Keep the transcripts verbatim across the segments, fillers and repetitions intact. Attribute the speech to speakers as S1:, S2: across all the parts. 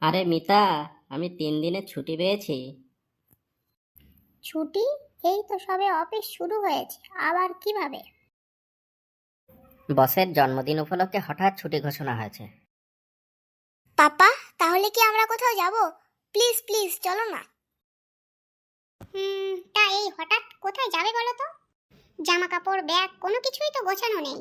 S1: আরে মিতা, আমি তিন দিনের ছুটি পেয়েছি।
S2: ছুটি? এই তো সবে অফিস শুরু হয়েছে, আবার কিভাবে?
S1: বসের জন্মদিন উপলক্ষে হঠাৎ ছুটি ঘোষণা হয়েছে।
S2: পাপা, তাহলে কি আমরা কোথাও যাব? প্লিজ প্লিজ চলো না। হুম তা এই হঠাৎ কোথায় যাবে বলো তো? জামা কাপড় ব্যাগ কোনো কিছুই তো গোছানো নেই।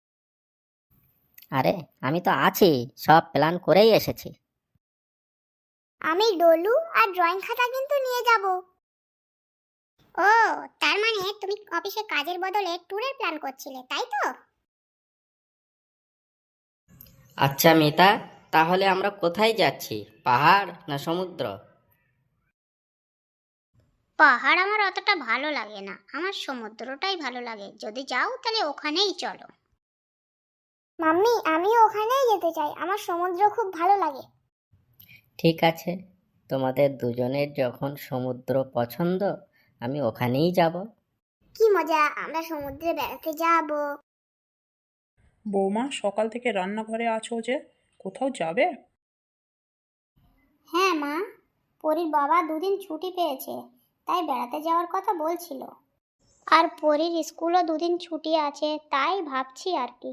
S1: আরে আমি তো আছি, সব প্ল্যান করেই এসেছি।
S2: আমি ডলু আর ড্রয়িং খাতা কিন্তু নিয়ে যাব। ও, তার মানে তুমি অফিসে কাজের বদলে ট্যুরের প্ল্যান করছিলে, তাই তো?
S1: আচ্ছা মিতা, তাহলে আমরা কোথায় যাচ্ছি, পাহাড় না সমুদ্র?
S2: পাহাড় আমার অতটা ভালো লাগে না, আমার সমুদ্রটাই ভালো লাগে। যদি যাও তাহলে ওখানেই চলো। মাম্মি, আমিও ওখানেই যেতে চাই, আমার সমুদ্র খুব ভালো লাগে।
S1: ঠিক আছে, তোমাদের দুজনের যখন সমুদ্র পছন্দ, আমি ওখানেই যাব।
S2: কি মজা, আমরা সমুদ্রে বেড়াতে যাব।
S3: বৌমা, সকাল থেকে রান্নাঘরে আছো যে, কোথাও যাবে?
S2: হ্যাঁ মা, পরীর বাবা দুদিন ছুটি পেয়েছে, তাই বেড়াতে যাওয়ার কথা বলছিল। আর পরীর স্কুলও দুদিন ছুটি আছে, তাই ভাবছি আর কি।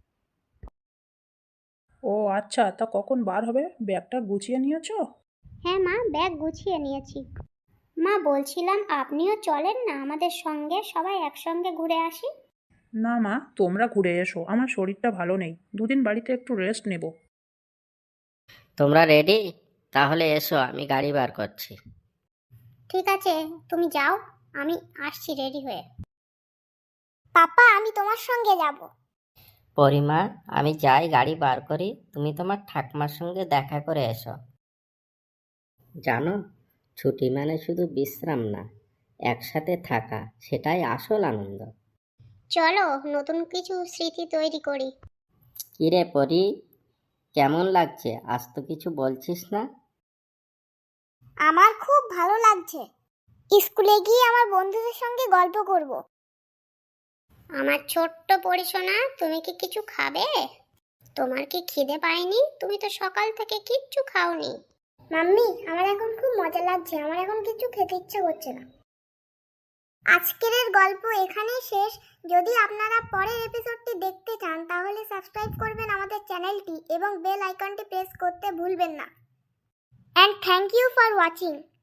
S3: ও আচ্ছা, তা কখন বার হবে? ব্যাগটা গুছিয়ে নিয়েছো?
S2: হ্যাঁ মা, ব্যাগ গুছিয়ে নিয়েছি। মা বলছিলাম আপনিও চলেন না আমাদের সঙ্গে, সবাই একসঙ্গে ঘুরে আসি।
S3: না মা, তোমরা ঘুরে এসো, আমার শরীরটা ভালো নেই, দুদিন বাড়িতে একটু রেস্ট নেব।
S1: তোমরা রেডি? তাহলে এসো, আমি গাড়ি বার করছি।
S2: ঠিক আছে, তুমি যাও, আমি আসছি রেডি হয়ে। পাপা, আমি তোমার সঙ্গে যাব।
S1: পরিমা, আমি যাই গাড়ি বার করি, তুমি তোমার ঠাকমার সঙ্গে দেখা করে এসো। জানো, ছুটি মানে শুধু বিশ্রাম না, একসাথে থাকা, সেটাই আসল আনন্দ।
S2: চলো নতুন কিছু স্মৃতি তৈরি করি।
S1: কিরে পরি, কেমন লাগছে? আজ তো কিছু বলছিস না।
S2: আমার খুব ভালো লাগছে, স্কুলে গিয়ে আমার বন্ধুদের সঙ্গে গল্প করব। আমার ছোট্ট পরিশোনা, তুমি কি কিছু খাবে? তোমার কি খিদে পায়নি? তুমি তো সকাল থেকে কিচ্ছু খাওনি। মাম্মি, আমার এখন খুব মজা লাগছে, আমার এখন কিছু খেতে ইচ্ছে করছে না। আজকের গল্প এখানেই শেষ। যদি আপনারা পরের এপিসোডটি দেখতে চান তাহলে সাবস্ক্রাইব করবেন আমাদের চ্যানেলটি এবং বেল আইকনটি প্রেস করতে ভুলবেন না। And thank you for watching.